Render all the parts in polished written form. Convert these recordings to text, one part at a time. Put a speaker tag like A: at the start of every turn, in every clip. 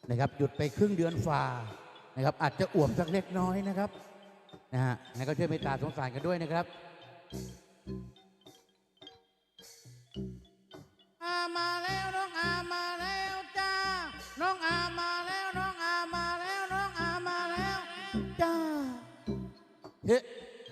A: นะครับหยุดไปครึ่งเดือนฝ่านะครับอาจจะอ้วมสักเล็กน้อยนะครับนะฮะงั้นก็ช่วยเมตตาสงสารกันด้วยนะครับ
B: อามาแล้วน้องอามาแล้วจ้าน้องอามาแล้วน้องอามาแล้วน้องอามาแล้วจ้า
A: เฮ้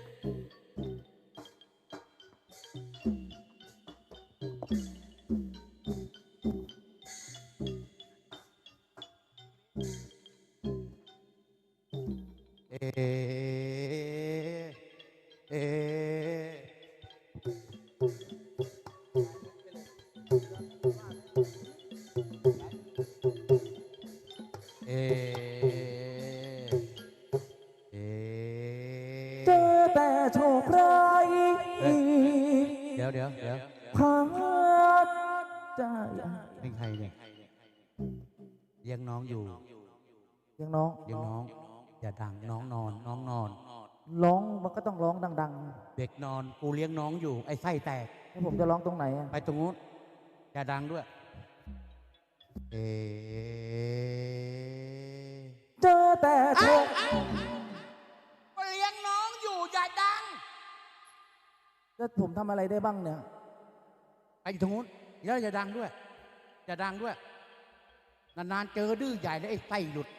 A: เอเอเ
C: เจอแต่โชคร้าย
A: เดี๋ยว
C: พาใจ
A: เป็นใครเนี่ยเลี้ยงน้องอยู่
C: ยังน้อง
A: เลี้ยงน้องอย่าดังน้องนอนน้องนอน
C: ร้องมันก็ต้องร้องดัง
A: เด็กนอนกูเลี้ยงน้องอยู่ไอ้ไส้แตก
C: ๆแล้วผมจะร้องตรงไหนอะ
A: ไปตรงนู้นอย่าดังด้วย
C: เจอแต่โชค
B: ก็เลี้ยงน้องอยู่อย่าดัง
C: แล้วผมทำอะไรได้บ้างเนี่ย
A: ไปตรงนู้นแล้วอย่าดังด้วยอย่าดังด้วยนานๆเจอดื้อใหญ่แล้วไอ้ไส้หลุด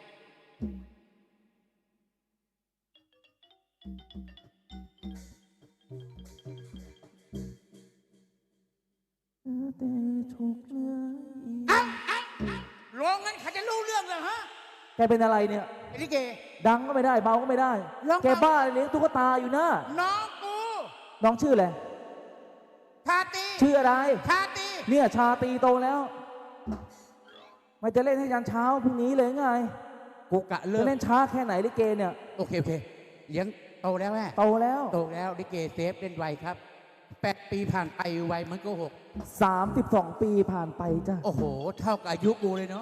C: แต่โชคร้าย
B: ร้องงั้นเขาจะรู้เรื่องเลยฮะ
C: แกเป็นอะไรเนี่ย
A: ไอ้ลิเก
C: ดังก็ไม่ได้เบาก็ไม่ได้
B: ร้อง
C: แกบ้าเลี้ยงตุ๊กตาอยู่นะ
B: น้องกู
C: น้องชื่ออะไร
B: ชาตี
C: ชื่ออะไร
B: ชาตี
C: เนี่ยชาตรีโตแล้วมันจะเล่นให้ยันเช้าพรุ่งนี้เลยไง
A: กูกะเลิ
C: จะ
A: ก
C: เล่นช้าแค่ไหนลิเกเนี่ย
A: โอเคเลี้ยงโตแล้วแม่
C: โตแล้ว
A: โตแล้วลิเกเซฟเล่นไวครับ8 ปีผ่านไปไวมันก็6
C: 32 ปีผ่านไปจ้ะ
A: โอ้โหเท่ากับอายุกูเลยเนาะ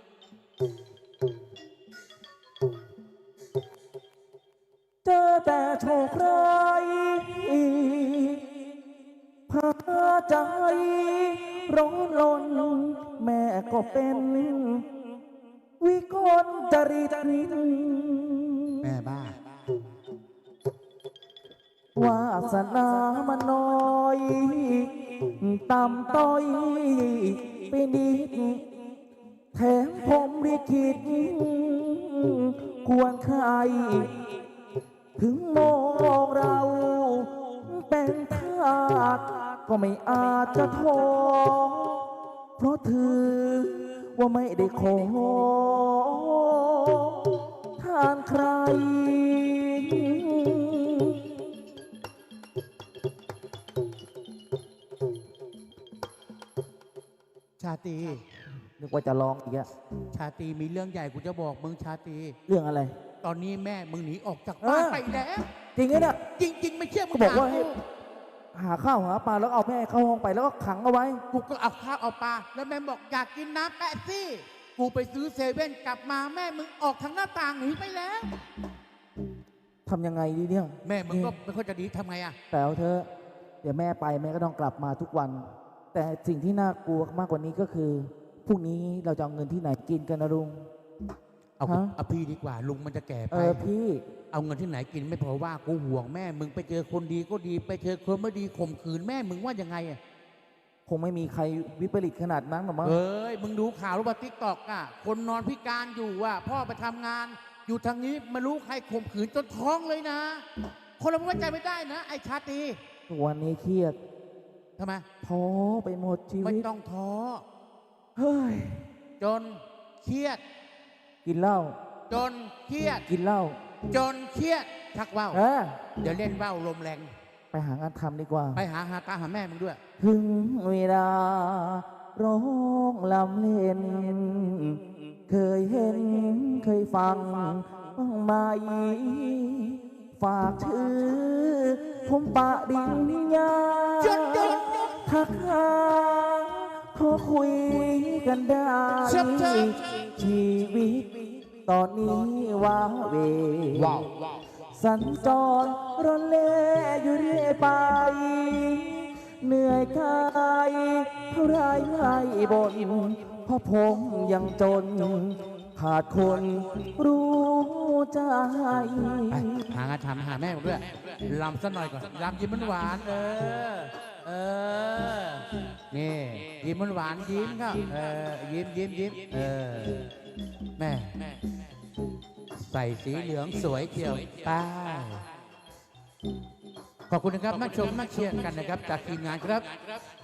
C: เจอแต่โชคร้ายพาใจร้อนรนแม่ก็เป็นวิกลจริต
A: แม่บ้าว
C: าสนามันน้อยต่ำต้อยไปนิดแถมผมลิขิตควรใคร ถึงมองเราเป็นทาสก็ไม่อาจจะท้อเพราะถือว่าไม่ได้ขอทานใคร
A: ชาตรี
C: นึกว่าจะร้องอีกอะ
A: ชาตรีมีเรื่องใหญ่กูจะบอกมึงชาตรี
C: เรื่องอะไร
A: ตอนนี้แม่มึงหนีออกจากบ้านไปแล้ว
C: จริงไหมเนี่ย
A: จริง ๆ ไม่เชื่อมึ
C: เขา
A: ง
C: บอกว่า
A: ถม
C: ให้หาข้าวหาปลาแล้วเอาแม่เข้าห้องไปแล้วก็ขังเอาไว้
A: กูก็เอาข้าวเอาปลาแล้วแม่บอกอยากกินน้ำแปะซี่กูไปซื้อเซเว่นกลับมาแม่มึงออกทางหน้าต่างหนีไปแล้ว
C: ทำยังไงดีเนี่ย
A: แม่มึงก็ไม่ค่อยจะดีทำไงอะ
C: แต่เอาเธอะเดี๋ยวแม่ไปแม่ก็ต้องกลับมาทุกวัน แต่สิ่งที่น่ากลัวมากกว่านี้ก็คือพรุ่งนี้เราจะเอาเงินที่ไหนกินกันนะลุง
A: เอา
C: ฮะ
A: เอาพี่ดีกว่าลุงมันจะแก่ไป
C: พี่
A: เอาเงินที่ไหนกินไม่พอว่ากูห่วงแม่มึงไปเจอคนดีก็ดีไปเจอคนไม่ดีข่มขืนแม่มึงว่ายังไงอะ
C: คงไม่มีใครวิปริตขนาดนั้นหรอกมั้ง
A: เอ้ยมึงดูข่าวหรือเปล่าติ๊กตอกอะคนนอนพิการอยู่อะพ่อไปทำงานอยู่ทางนี้ไม่รู้ใครข่มขืนจนท้องเลยนะ คนเราไว้ใจไม่ได้นะ ไอ้ชาตรี
C: ทุกวันนี้เครียด
A: ทำไม
C: ท้อไปหมดชี
A: ไม่
C: วิต
A: ต้องท้อ
C: เฮ้ย
A: จนเครียด
C: กินเหล้า
A: จนเครียด
C: กินเหล้า
A: จนเครียดชักว่าว
C: เออ
A: เดี๋ยวเล่นว่าวลมแรง
C: ไปหางานทำดีกว่า
A: ไปหาตาหาแม่มึงด้วย
C: ถึงเวลาร้องลำเล่น เคยเห็นเคยฟังบ้างไหมฝากชื่อผมปะดินยา
A: หยุดหยุด
C: ทักหาขอคุยกันได้
A: เชิบเชิบ
C: ชีวิตตอนนี้ว้าเหว
A: ว้าว
C: สัญจรร่อนเล่อยู่เรื่อยไป เหนื่อยกายเท่าไรไม่บ่นเพราะผมยังจน หขาดคนรู้ใจ
A: ไปหางานทำหาแม่ผมด้วยลำสักหน่อยก่อนลำยิ้มหวานๆเออนี่ยิ้มหวานๆยิ้มครับยิ้มแม่ใส่สีเหลืองสวยเจียวป้าขอบคุณนะครับมาชมมาเชียร์กันนะครับจากทีมงานครับ